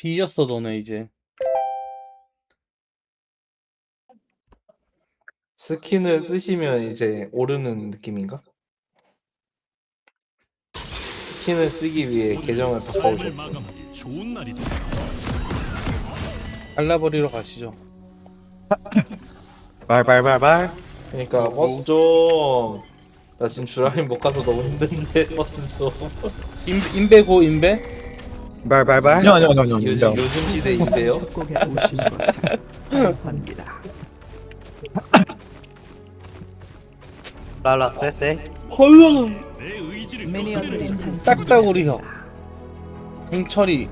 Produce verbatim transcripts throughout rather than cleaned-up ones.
뒤졌어 너네 이제. 스킨을 쓰시면 이제 오르는 느낌인가? 스킨을 쓰기 위해 계정을 바꿔오셨고. 마감하기 좋은 날이다. 갈라버리러 가시죠. 발발발발. 그러니까 버스 좀. 나 지금 주라민 못 가서 너무 힘든데 버스 좀. 인, 인베고 인베? 발발발. 아니요 아니요 아니요 아니요 요즘 아니요. 요즘 시대인데요. 꼭에 오신 것을 환영합니다. 랄라 쎄쎄. 헐렁. 내 의지를 미니언들이 딱따구리 형. 상승했습니다. 승철이.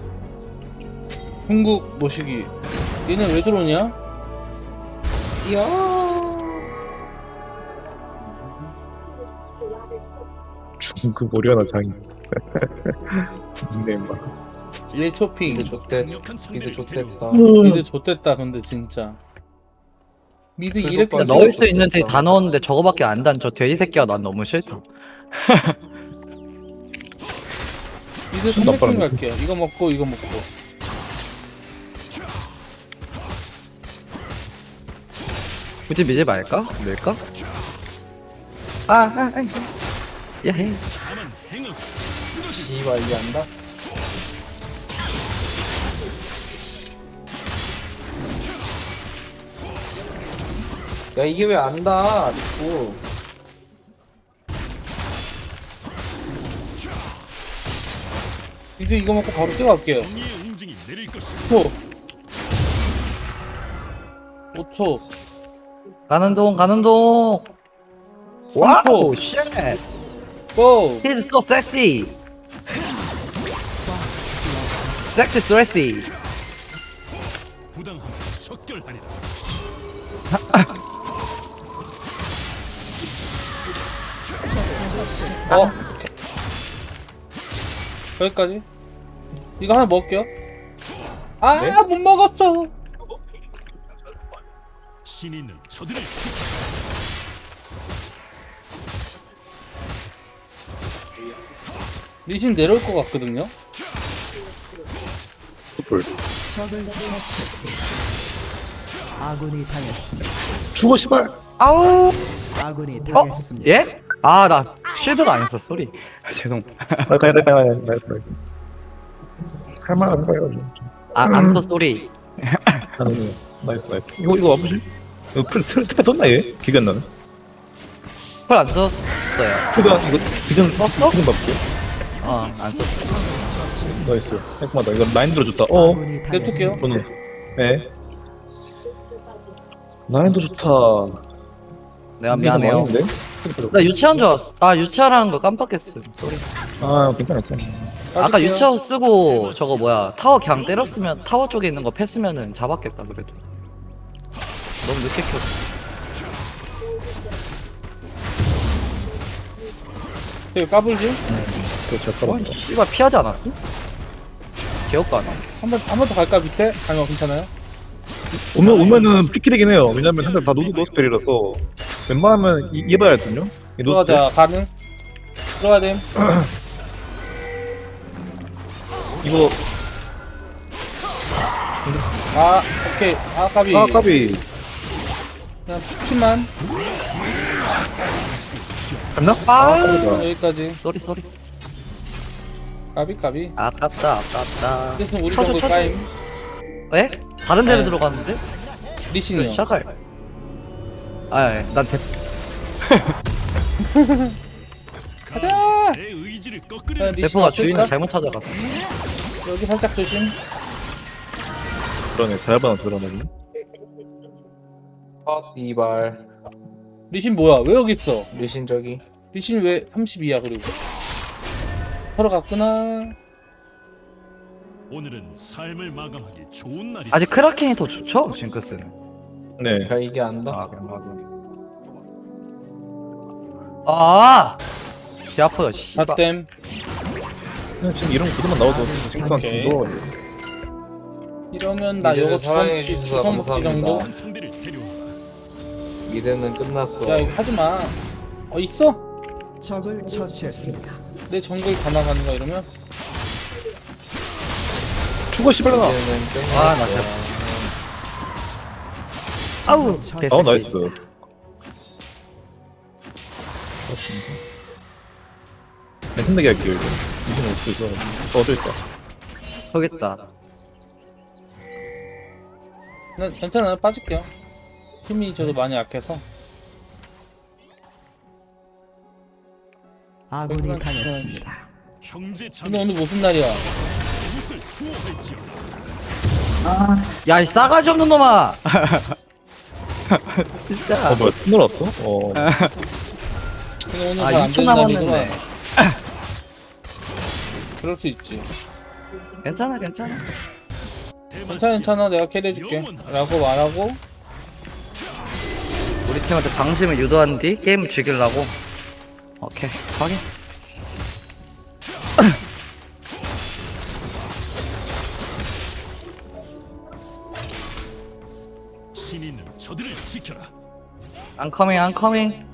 중국 모시기. 얘는 왜 들어오냐? 이야. 중국 오려나 장이. 닉네임 봐. 얘 초핑. 미드 좋대. 강력한 미드 상대를 좋댔다. 미드 좆됐다 근데 진짜. 미드 그래도 이렇게 빨리 넣을 넣을 수 있는 데 다 넣었는데 저거밖에 안 단 저 돼지 새끼가 난 너무 싫다. 미드 순 삼백점 나빠라는 갈게요. 이거 먹고 이거 먹고. 굳이 미지 말까? 밀까? 아, 아, 아. 야해. 다만 행하고 쓰러지. 씨발 이게 안다. 야 이게 왜 안다? 자꾸. 미드 이거 먹고 바로 뛰어갈게요. 정의의 응징이 내릴 것이다. 오 초. 오 초. 가는 동, 가는 동. 삼 초. 와우, 쉣. 고! He's so sexy. Sexy, sexy. 부당함 척결하리라. 어? 여기까지? 이거 하나 먹을게요. 아, 네? 못 먹었어! 신이 있는 저들을 지켜. 리신 내려올 것 같거든요? 촛불. 적을 처치했습니다. 아군이 당했습니다. 죽어 씨발. 아우. 아군이 어? 당했습니다. 예? 아, 나 쉴드가 아니었어. 쏘리. 죄송. 나이스 나이스 나이스 나이스 나이스. 할만한 거예요. 아, I'm so sorry. 아니 나이스 나이스. 이거 이거 와보지. 이거 풀 틀, 틀에 썼나 얘? 기가 안 나네. 펄안 썼어요. 풀가 이거 기존 썼어? 기존 바꿀게. 어, 안 썼어. 나이스. 깔끔하다. 이거 라인 들어줬다. 어. 아군이 냅둘게요. 당했습니다. 저는 네. 라인도 좋다. 내가 미안해요. 망했는데? 나 유치한 줄 알았어. 아, 유치하라는 거 깜빡했어. 쏘리. 아 괜찮아 괜찮아. 아까 빠질게요. 유치원 쓰고 저거 뭐야 타워 그냥 때렸으면 타워 쪽에 있는 거 패스면은 잡았겠다 그래도. 너무 늦게 켰어. 저기 까불지? 그거 제가 와, 까봤다. 씨발 피하지 않았어? 기억도 안 나. 한 번, 한 번 더 갈까, 밑에? 아니면 괜찮아요? 오면 오면은 피키되긴 해요. 왜냐면 상대 다 노드 노스펠이라서 웬만하면 이- 이해봐야 할든요. 이 노스펠. 들어가자, 가능? 들어가야 됨. 이거 아, 오케이. 아, 까비. 아 까비 그냥 피만. 갔나? 아, 까비다. 여기까지. 쏘리 쏘리. 까비, 까비. 아깝다 아깝다. 대신 우리 쳐줘, 정글 쳐줘. 까임. 왜? 다른 데로 네. 들어갔는데? 리신이요. 샤갈. 아, 예. 난 대. 가자! 내 의지를 야, 꺾으려. 리신 대포가 없을까? 주인을 잘못 찾아갔어. 여기 살짝 조심. 그러네 잘 받아 들어가네. 아 이발. 리신 뭐야? 왜 여기 있어? 리신 저기. 리신 왜 삼십이야, 그리고. 서로 갔구나. 오늘은 삶을 마감하기 좋은 날이다. 아직 크라켄이 더 좋죠? 징크스는. 네. 야 이게 안다. 아, 그냥 맞아. 아! 씨 아프다, 씨발. 갓댐. 그냥 지금 이런 구도만 나와도 징크스한테 오케이. 좋아. 이러면 나 미드를 요거 사랑해 주먹 주셔서 주먹 먹기 정도? 감사합니다. 한 상대를 데려와. 미드는 끝났어. 야, 이거 하지 마. 어, 있어? 적을 처치했습니다. 내 정글 가나가는 거 이러면? 죽어 씨발려나. 이제는 끝났어. 아, 나 진짜. 아우, 개 어 나이스. 괜찮게 할게요 이거. 이제 못 쓰죠. 저 어디 있다. 저겠다. 나 괜찮아요. 빠질게요. 힘이 저도 많이 약해서. 아군이 그러면 당했습니다. 형제 근데 자매 오늘 무슨 날이야? 이곳을 수호할지어다. 야, 이 싸가지 없는 놈아! 진짜. 어 뭐야 톤 놀았어? 어. 근데 오늘 아, 잘안 이 초 되는 날이구나. 남았는데. 그럴 수 있지. 괜찮아, 괜찮아. 괜찮아, 괜찮아. 내가 캐리해줄게. 라고 말하고. 우리 팀한테 방심을 유도한 뒤 게임을 즐기려고. 오케이, 확인. 신인은 저들을 지켜라. I'm coming, I'm coming.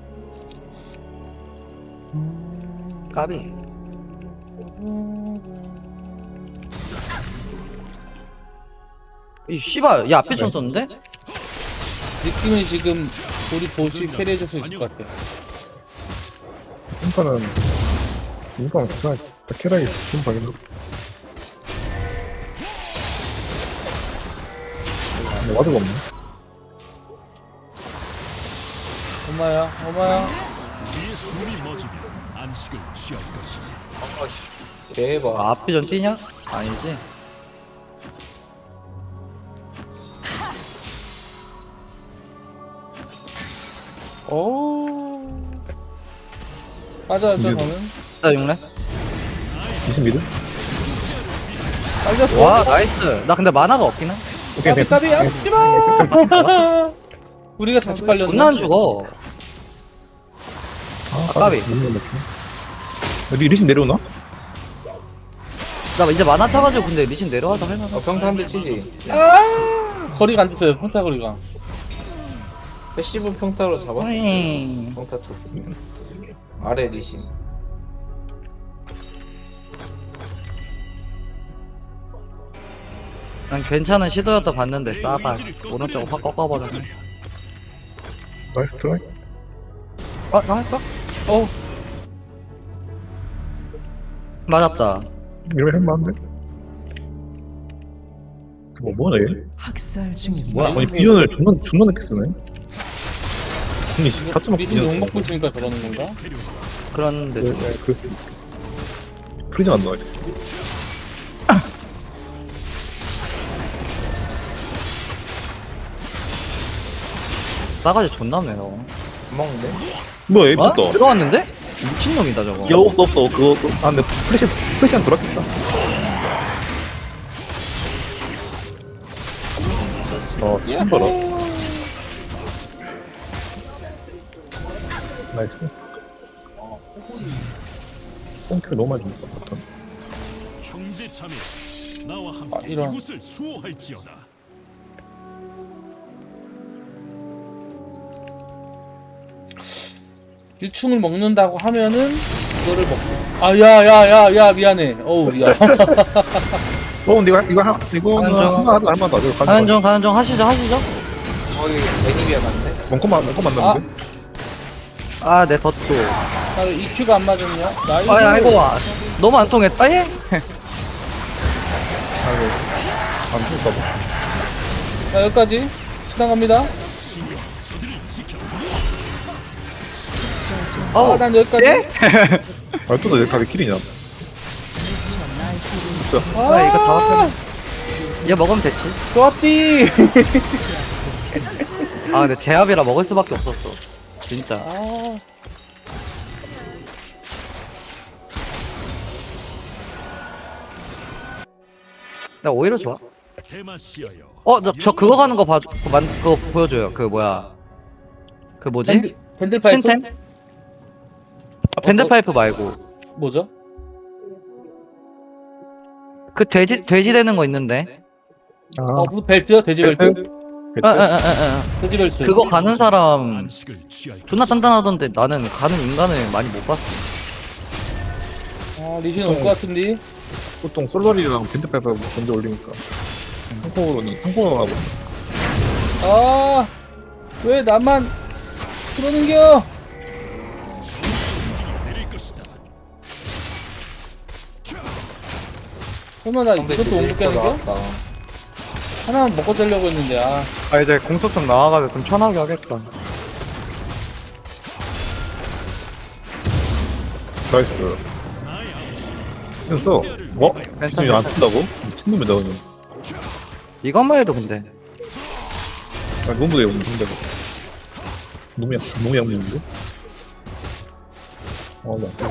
까비. 이 씨발, 야 앞에 총 썼는데? 느낌이 지금 우리 보시 캐리해줄 수 있을 것 같아. 인파는 인파는 그냥 캐라이 좀 봐야겠네. 와드가 없네. 엄마야, 엄마야. 그의 숨이 멎으면 안식을 취할 것이다. 대박. 아, 앞에 전 뛰냐? 아니지. 오. 맞아, 맞아, 이제- 저는. 나 육래? 이십 미드? 빨렸어. 와, 나이스. 나 근데 만화가 없긴 해. 오케이 까비, 됐어. 까비, 하지마! 우리가 같이 빨렸어. 존나 안 죽어. 아 까비. 여기 리신 내려오나? 나 이제 만화 타가지고 근데 리신 내려와서 할만하. 어, 평타 한 대 치지. 아! 거리가 안 됐어요, 평타 거리가. 패시브 평타로 잡았어. 음. 평타 쳤으면. 아래 리신. 난 괜찮은 시도였다 봤는데 싸발 오른쪽으로 확 꺾어버렸네. 나이스 트라이. 어? 나 할까? 어, 맞았다. 이러면 할만한데? 뭐 뭐냐 얘? 학살 중입니다. 뭐야? 아니 비전을 존나 존나 늦게 쓰네. 아니 이거 사점 미리 비전. 욕 먹고 있으니까 저러는 건가? 그런데 네, 좀. 네, 그럴 수 있어. 프리즌 안 나와 이제. 싸가지 존나 없네 너. 안 먹는데? 뭐야 얘 어? 미쳤다. 들어왔는데? 미친놈이다 저거. 야 없어 없어 그거 그거- 아 근데 플래시 플래시한 돌았겠다. 어 처음 봐라. 나이스. 뽕킬 너무 많이 줬다. 형제 자매 나와 함께 아, 이런. 이곳을 수호할지어다. 유충을 먹는다고 하면은 이거를 먹고. 아, 야, 야, 야, 야, 미안해. 어우, 야. 어 근데 이거 이거 하나 이거 하는 하나 중. 하나 하나 하나 더. 이거 가는 중 가는 중 하시죠 하시죠. 거기 애니비아 맞네? 멍컴만 멍컴 만났는데. 아 내 덧도. 나를 이큐가 안 맞았냐? 나이스. 아 아이고 와. 너무 안 통했다 얘. 아이고 안 죽을까 봐. 자, 여기까지. 지나갑니다. 어. 아, 난 여기까지. 예? 말투도 내가 왜 킬이냐? 아 이거 다 왔네. 얘 먹으면 됐지. 좋았디. 아 근데 제압이라 먹을 수밖에 없었어. 진짜. 아, 나 오히려 좋아. 대마시아여. 어, 저, 저 그거 가는 거 봐, 그 만, 그거 보여줘요. 그 뭐야. 그 뭐지? 밴드, 밴들 파이프? 신템? 아, 밴드파이프 말고. 뭐죠? 그 돼지, 돼지 되는 거 있는데. 아 어, 무슨 벨트요? 돼지 벨트? 벨트? 아, 아, 아, 아, 아. 돼지 벨트. 그거 가는 사람 안식을 취할 존나 단단하던데 나는 가는 인간을 많이 못 봤어. 아, 리신 올 것 같은데. 보통 솔로리랑 벤트파이프 먼저 올리니까 상콩으로는 상콩으로 하고 아, 왜 나만 그러는겨? 내릴 것이다. 설마 나 상대 이것도 못 깨는 겨? 나왔다. 하나만 먹고 자려고 했는데, 아. 아 이제 공속 좀 나와가지고 좀 편하게 하겠다. 나이스 됐어 뭐? 지금 안 쓴다고? 미친놈이다 그냥 이것만 해도 근데 아 너무 무대요 상대가 너무 약 너무 약물인데? 어 맞다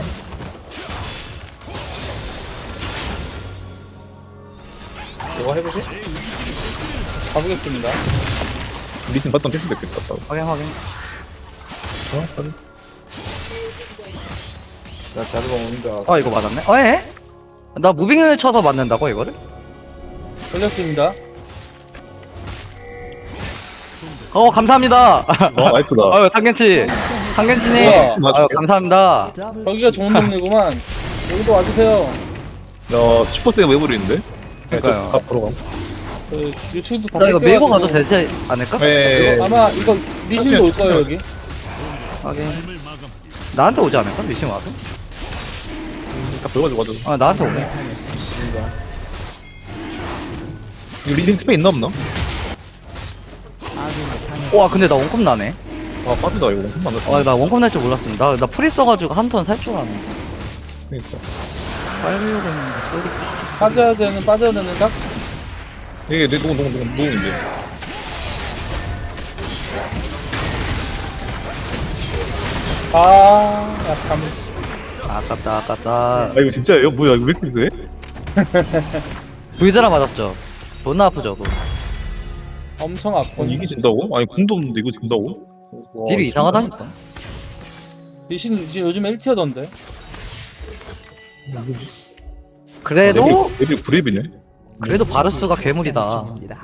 이거 해보지? 가보겠습니다. 리신 봤던 킬수 됐겠다 따로 확인 확인. 어? 따로? 나 자르방 오는 줄 알았어. 어 이거 맞았네. 어 에? 나 무빙을 쳐서 맞는다고 이거를? 걸렸습니다. 어 감사합니다. 아 나이스다 아유 상gen치 상gen치님. 뭐야? 아유 감사합니다. 더블 여기가 좋은 동네구만. 여기도 와주세요. 야 슈퍼세가 왜 부리는데? 그러니까요. 아 바로 가 그, 유출도 다 나 이거 밀고 가도 뺏겨가지고. 되지 않을까? 네 이거 아마 이거 리신도 올 거예요, 여기. 확인. 삶을 마감하기. 나한테 오지 않을까? 미신 와서? 다 보여가지고 와줘 아 나한테 오네. 당했습니다. 이거 리신 스페인 있나 없나? 아군이 당했습니다. 와 근데 나 원컵 나네. 아 빠지다 이거 엄청 많았어 아 나 원컵 날 줄 몰랐습니다. 나 프리 써가지고 한 턴 살 줄 알았네. 그니까 빨리려고 했는데 쏘리. 빠져야 되는, 빠져야 되는 딱? 이게 내 노공 노공 노공 노공인데 아, 약간. 아깝다 아깝다. 아 이거 진짜예요? 뭐야 이거 왜 이렇게 세? 불드라 맞았죠? 존나 아프죠 그거. 엄청 아니 아픈. 이게 진다고? 아니 궁도 없는데 이거 진다고? 와, 딜이 이상하다니까. 리신 지금 요즘에 일 티어던데. 그래도 애들 구랩이네 그래도 바루스가 괴물이다. 중입니다.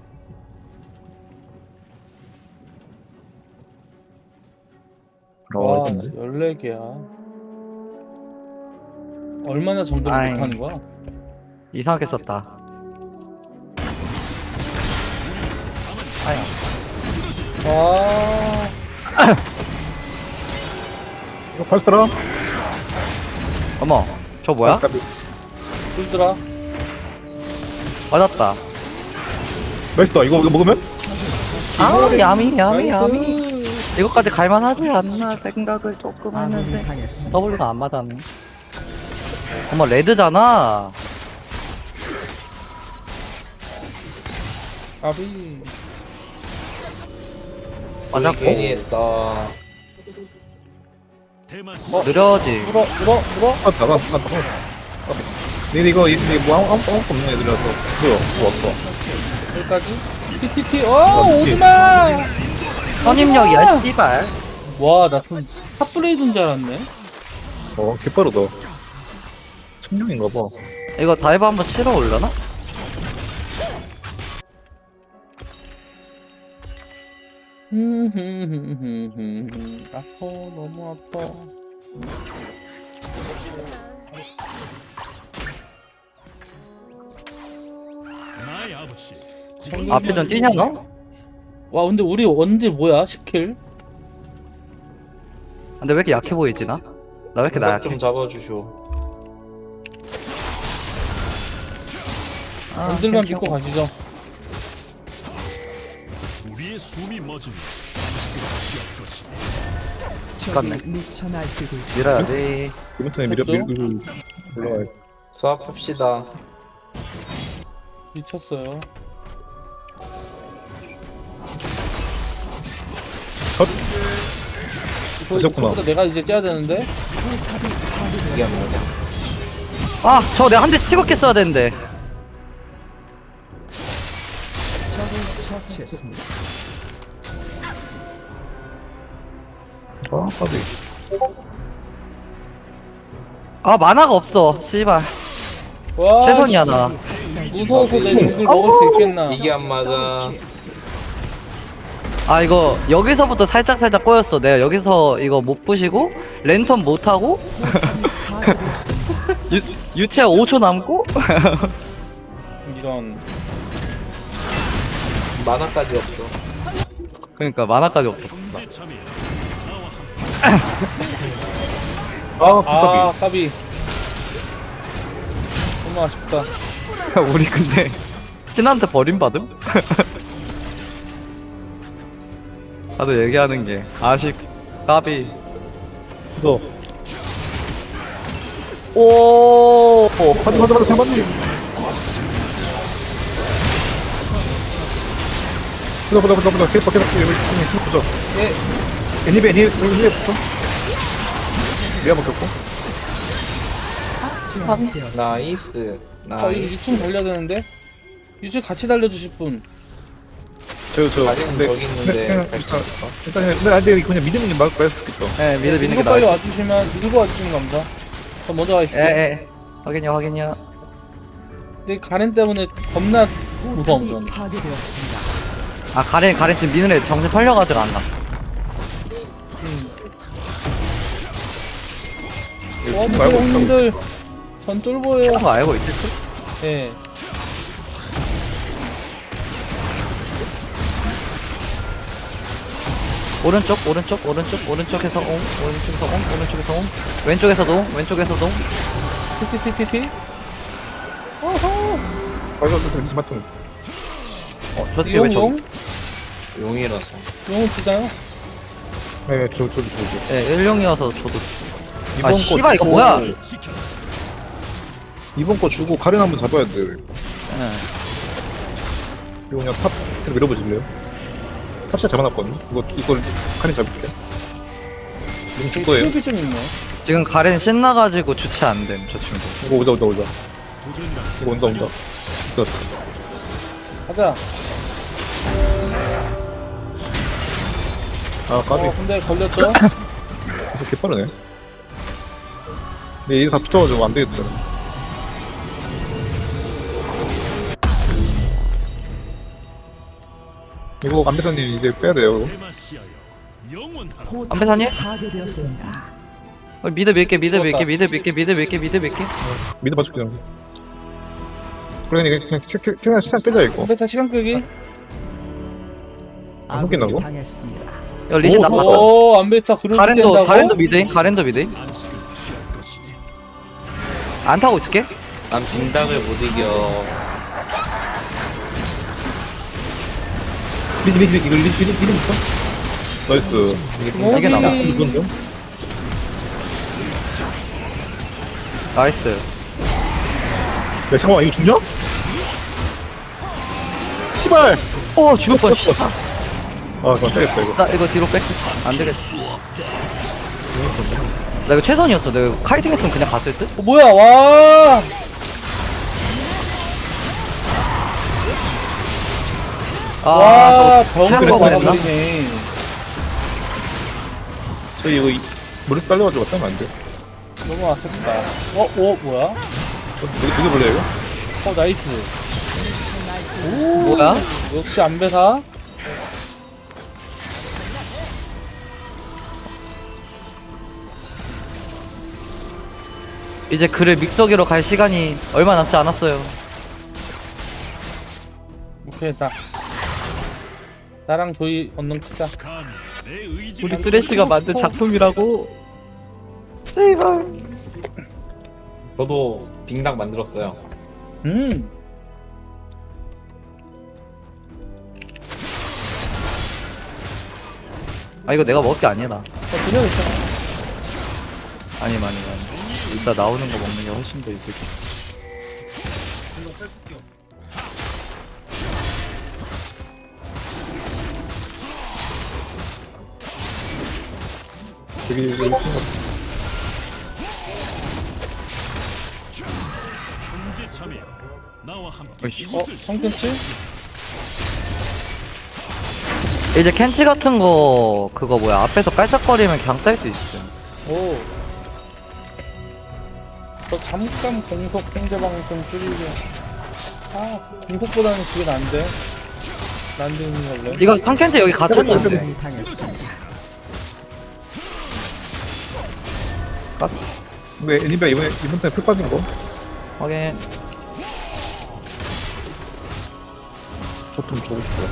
와, 아 근데 열네 개야. 얼마나 정보를 아이. 못하는 거야? 이상하게 썼다. 아야. 와, 이거 팔스타라? 어머, 저 뭐야? 불들아. 맞았다. 나이스다 이거 이거 먹으면? 아, 야미, 야미, 나이스. 야미. 이거까지 갈만하지 않나 생각을 조금 아군이 했는데 당했습니다. W가 안 맞았네. 어머, 레드잖아. 아비. 맞았고. 괜히 했다. 대마시. 어? 느려지. 물어, 물어, 물어. 아 나가 나 나가 근데 이거 이거 뭐 아무 아무 아무 없는 애들이라서 뭐야 뭐 왔어 여기까지. 티티티. 어, 오지마! 선임력이야, 씨발. 와, 나 순, 탑브레이드인 줄 알았네. 어 개빠르다 청룡인가봐 이거 다이브 한번 치러 올려나? 아파, 너무 아파. 나의 아버지. 앞에 좀 뛰냐, 너? 와, 근데 우리 원딜 뭐야? 십 킬? 근데 왜 이렇게 약해 보이지, 나? 나 왜 이렇게 나 좀 약해? 잡아주쇼. 아, 원딜만 챔피언. 믿고 가시죠. 우리의 숨이 멎으니 취할 것이다. 갔네. 적이 미쳐 날뛰고 있습니다. 밀어야지. 이번 턴에 미려 밀 밀- 올라가야 수학합시다. 미쳤어요. 컷 이거 하셨구나. 이거 내가 이제 째야 되는데. 이게 안 맞아. 아, 저 내가 한 대 찍었겠어야 되는데. 적을 처치했습니다. 아 까비 아, 만화가 없어, 씨발. 와, 최선이야, 나. 무서워서 내 죽을 먹을 수 있겠나? 이게 안 맞아. 아, 이거, 여기서부터 살짝살짝 꼬였어. 내가 여기서 이거 못 부시고, 랜턴 못 하고, 당하고 있습니다. 유, 유채 오 초 남고? 이런. 만화까지 없어. 그러니까 만화까지 없어. 경제 참여. 나와 함께 아 아, 까비. 너무 아쉽다. 우리 근데 신한테 버림받음? 다들 얘기하는 게 아쉽 까비 이거 오 맞아 맞아 맞아 상반님 보자 보자 보자 보자 계속 계속 계속 계속 보자 예. 애니베 애니베 애니베부터 내가 먹혔고 제압되었습니다. 나이스. 자, 이 나이스. 유 층 달려야 되는데. 유 층 같이 달려주실 분. 저저 가리는 저기 있는데 갈 수 있을까? 일단 일단 근데 그냥 믿음은 게 맞을 수 있겠다 예 미드 미는 게 이거 빨리 나아 와주시면, 밀고 와주시면 감사. 저 먼저 가겠습니다. 예예 확인요 확인요 근데 가렌 때문에 겁나 무서움, 저는. 파괴되었습니다. 아 가렌 가렌 지금 미는 애 정신 팔려가지고 안 나. 와, 지금 말고 있다고 형님들. 전 쫄보예요. 그런 거 알고 있지? 예. 오른쪽 오른쪽 오른쪽 오른쪽에서 옹 오른쪽에서 옹 오른쪽에서 옹 왼쪽에서도 옹 왼쪽에서도 옹 티티티티티. 빨리 가서 왠지 맞던 어, 저 뒤에 왜 용, 용? 저기 용이라서. 용은 주나요? 네저 저기 저기 예 일용이어서 저도 아 이번 거 씨발 이거 주고- 뭐야 지켜. 이번 거 주고 가렌 한번 잡아야 돼 예. 이거 그냥 탑 그냥 밀어보실래요? 탑 진짜 잡아놨거든요 이거 이걸 가렌 잡을게 뭉친 거예요 수업이 좀 있네. 지금 가렌 신나가지고 주체 안됨 저 친구 이거 오자 오자 오자 도전이다. 이거 온다 온다 됐어 가자. 아 까비 어, 근데 걸렸죠? 계속 개빠르네 근데 얘가 다 붙어가지고 안 되겠다 이거 안배사님 이제 빼야 돼요 이거. 대마시아여. 영원하라. 포탑이 안배사님? 파괴되었습니다. 어, 미드 밀게 미드 밀게 죽었다. 미드 밀게 미드 밀게 미드 밀게 미드 봐줄게 그냥 그러니까 그냥 책- 책- 그냥 시간 빼자 이거 근데 다 시간 끄기. 안 웃긴다고? 아군이 당했습니다. 야 리신 오, 나빴다 오, 안베타 그렇게 가렌도 된다고? 가렌도 미드인 가렌도 미드인 안식을 취할 것이니. 안 타고 있을게 난 빙닭을 못 이겨. 리지 리지 리지 이거 리지 리지 리지 있어? 나이스 어, 이게 나와. 이- 이건데요? 나이스 야 잠깐만 이거 죽냐? 시발! 어 죽을 뻔 씨발. 아 그만 빼겠다 이거 나 이거 뒤로 뺄게 안 되겠어 나 이거 최선이었어 내가 카이팅 했으면 그냥 갔을 듯? 어, 뭐야, 와! 와, 아 병으로 그랬구나. 막아버리네. 저희 이거 이- 머리 딸려가지고 왔다면 안 돼. 너무 아쉽다. 어, 어, 뭐야? 어, 되게 되게 벌레 이거? 어, 나이스. 뭐야? 역시 안배사. 이제 그를 믹서기로 갈 시간이 얼마 남지 않았어요 오케이, 나. 나랑 조이 언능 크자. 감히 내 의지. 우리 쓰레쉬가 만든 작품이라고 제발 저도 빙닭 만들었어요. 음. 아 이거 내가 먹을 게 아니야 나 어, 그냥 있잖아. 아니 많이 많이 이따 나오는 거 먹는 게 훨씬 더 이득이 되게 이거 이거 경제 참여. 나와 함께 어이씨. 어, 이곳을 성ken치? 이제 캔치 같은 거 그거 뭐야 앞에서 깔짝거리면 그냥 쌀 수 있음 오. 저 잠깐 공속 상대방 좀 줄이고. 아, 공속보다는 그게 난데. 난데 걸래. 이거 칸캔치 여기 갇혔는데 아군이 당했습니다. 왜 애니비아 이번에 이번 턴에 풀 빠진 거? 확인. 저좀 주고 싶어요.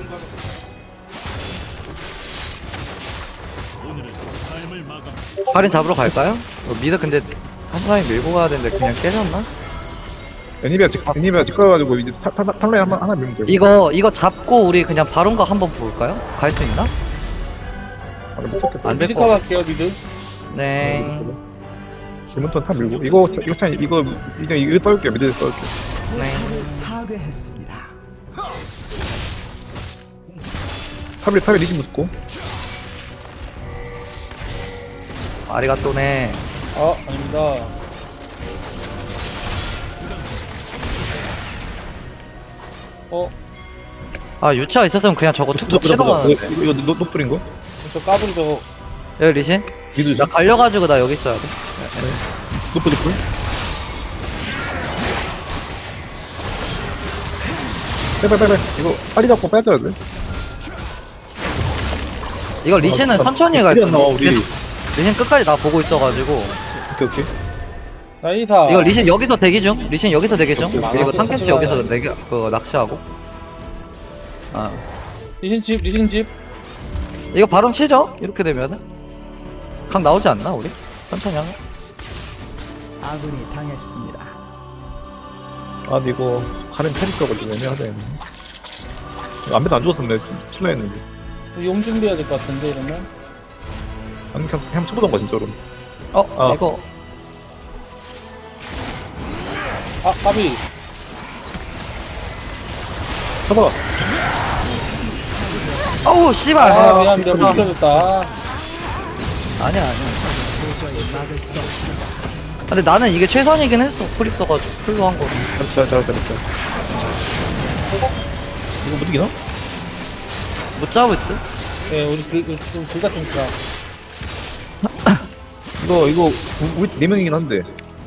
오늘은 삶을 마감. 할인 잡으러 갈까요? 어, 미드 근데 한 사람이 밀고 가야 되는데 그냥 깨졌나? 애니비아 직 애니비아 직 걸어가지고 이제 타- 타- 탑라인 하나 하나 밀면 돼요. 이거 이거 잡고 우리 그냥 바론가 한번 볼까요? 갈 수 있나? 아, 못 찾겠다. 안 될 미드 거. 커버할게요 미드. 네. 이번 턴 탑 밀고 이거 차- 이거 참 이거 그냥 이거 썰게요. 미드 썰게. 네. 파괴했습니다. 탑에 탑에 리신 붙고. 아리가또네. 아 아닙니다. 어? 아 유치가 있었으면 그냥 저거 툭툭 치러 이거 가는데. 이거 노 노플인 거? 저 까불이 저거 여기 리신? 미드 나 갈려가지고 나 여기 있어야 돼. 노플 노플. 빼빼빼빼 이거 빨리 잡고 빼줘야 돼. 이거 리신은 아, 천천히 아, 갈 딜이 안 나와, 우리. 리신, 리신 끝까지 나 보고 있어가지고. 오케이 오케이. 나이사. 이거 리신 여기서 대기 중. 리신 여기서 대기 중. 오케이, 그리고 오케이. 탐켄치 같이 여기서 가요. 내기 그 낚시하고. 아 리신집 리신집. 이거 바론 치죠? 이렇게 되면은 강 나오지 않나 우리? 천천히 하면. 아군이 당했습니다. 아 근데 이거 가는 테리스가지고 애매하네. 안배도 안 죽었었네. 칠라 했는데. 용 준비해야 될 것 같은데 이러면. 아니 그냥 그냥 쳐보던 거 진짜로. 어 아. 이거 아 까비. 쳐봐. 어우 씨발. 아 아, 미안합니다. 못 시켜줬다. 아니야 아니야. 도저히 막을 수 없습니다. 근데 나는 이게 최선이긴 했어. 풀 있어가지고 풀로 한 거. 잘했다 잘했다 잘했다. 이거 못 이기나? 못 잡을 듯? 예 우리 둘다 좀 있다. 이거 이거 우- 우리 네 명이긴 한데.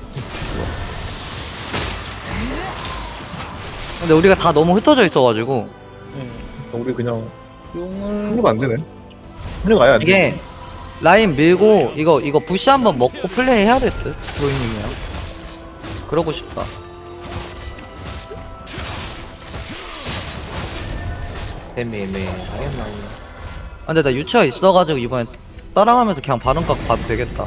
근데 우리가 다 너무 흩어져 있어가지고 예. 우리 그냥 용을. 합류가 안 되네. 합류가 아예 안 돼. 이게 라인 밀고 이거 이거 부시 한번 먹고 플레이 해야 될 듯. 로이님이랑 그러고 싶다. 애매애매 하겠나. 아, 근데 나 유치가 있어가지고 이번에 따라가면서 그냥 반응각 봐도 되겠다.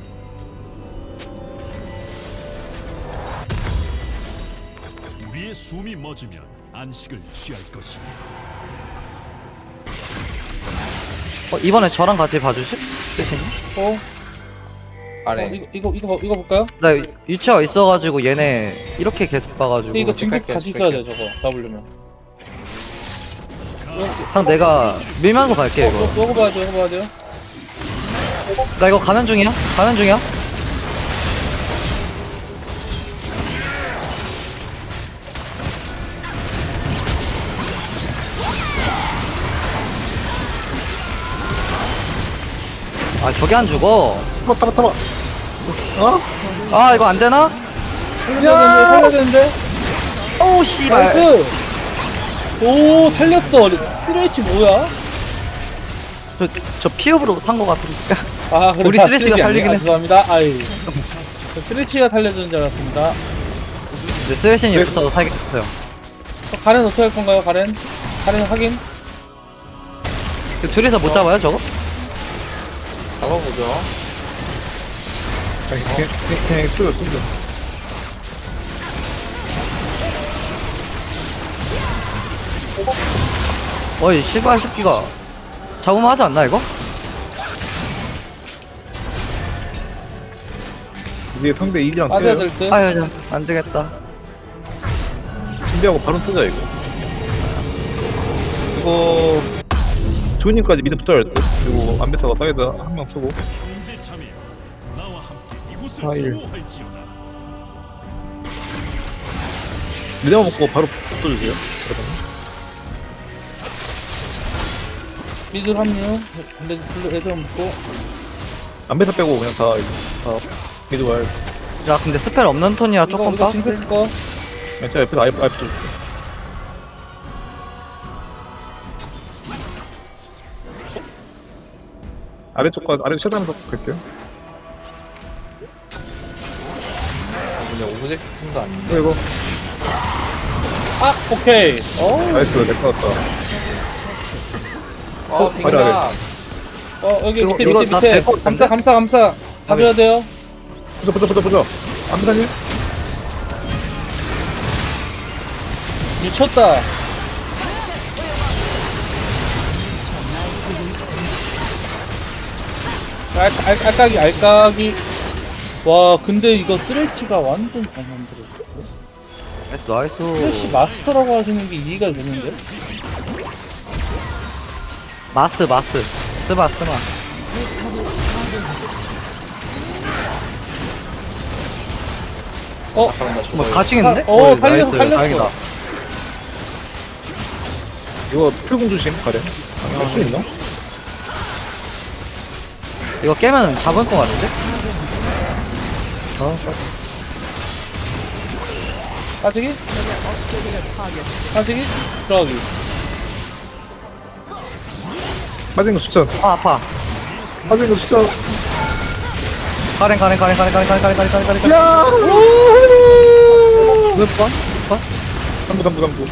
우리의 숨이 멎으면 안식을 취할 것이니. 어, 이번에 저랑 같이 봐주실? 대신 어? 어 아래. 이거 이거 이거 이거 볼까요? 나 유치가 있어가지고 얘네 이렇게 계속 봐가지고 근데 이거 진급 할게요, 같이 있어야 돼 할게요. 저거 잡으려면. 그냥 내가 밀면서 갈게 어, 이거. 어, 이거 봐야 돼요 이거 봐야 돼요. 나 이거 가는 중이야? 가는 중이야? 아 저게 안 죽어. 타봐 타봐 타봐. 어? 아 이거 안 되나? 살려야 되는데 살려야 되는데. 오 씨발. 나이스. 오 살렸어. 스트레치 뭐야? 저, 저 피읍으로 산 거 같으니까. 아 그래. 우리 아, 스트레치가 스트레치 살리긴 아니야? 아, 했- 죄송합니다. 아이. 저 스트레치가 살려주는 줄 알았습니다. 이제 쓰레신이 붙어서 살겠어요. 어, 가렌 어떻게 할 건가요 가렌? 가렌 확인. 그 둘이서 못 잡아요 저거? 잡아보죠. 그냥 그냥 그냥 그냥 쏘여 쏘여. 어이 씨발 새끼가 잡으면 하지 않나 이거? 이제 상대 이지랑 빠져야 떼요. 될 듯. 아유 자, 안 되겠다. 준비하고 바로 쓰자 이거. 이거 조이님까지 미드 붙어야 할 듯. 그리고 안배사가 사이드 한 명 쓰고. 현재 참여 나와 함께 이곳을 아일. 수호할지어다. 미드만 먹고 바로 붙어주세요. 그러면. 미드 합류. 근데 블루 애들 먹고. 안배사 빼고 그냥 다 이거 다 미드 와야 돼. 야 근데 스펠 없는 톤이라 이거 조금 이거 빡세. 징크 거. 그냥 제가 옆에서 아예 아예 붙여줄게. 아래쪽과 아래 최대한 더 갈게요. 아니야 오브젝트도 아닌데. 어, 이거. 아 오케이. 어, 나이스, 내거 같다. 어 아래, 빙가. 어 여기 이거- 밑에 이거 밑에 다 밑에 될것 같은데? 감사 감사 감사 가져야 돼요. 보자, 보자, 보자, 보자. 암사님? 미쳤다. 알, 알, 알까기 알까기. 와 근데 이거 쓰레쉬가 완전 잘 만들었어. 나이스. 쓰레쉬 마스터라고 하시는 게 이해가 되는데? 마스 마스. 스마 스마. 어? 잠깐만 나 죽어. 뭐 가칭인데? 어, 어, 살렸어, 나이스. 살렸어. 다행이다. 이거 풀공 조심, 가래. 할 수 있나? 이거 깨면 잡을 것 같은데? 아, 빠지기? 빠지기? 들어가기. 빠진 거 숫자. 아 아파. 빠진 거 숫자. 가랭 가랭 가랭 가랭 가랭 가랭 가랭 가랭 가랭 가랭. 야! 몇 번? 담부, 담부, 담부.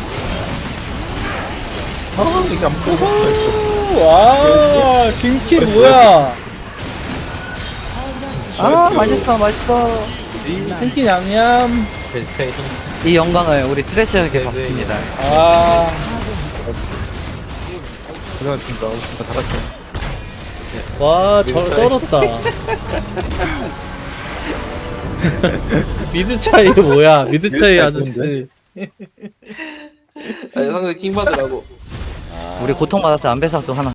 아, 이게 안 보고. 오, 와, 진키 뭐야? 아 맛있어 맛있어. 진키 냠냠. 베스페인. 이 영광을 우리 트레시에게 네, 받습니다. 아, 고생하셨습니다. 진짜 다 같이. 와, 저 미드 차이. 떨었다. 미드 차이 뭐야? 미드 차이 차이 아저씨. 아니 상대 킹 받으라고. 우리 고통받았을 안배사도 하나.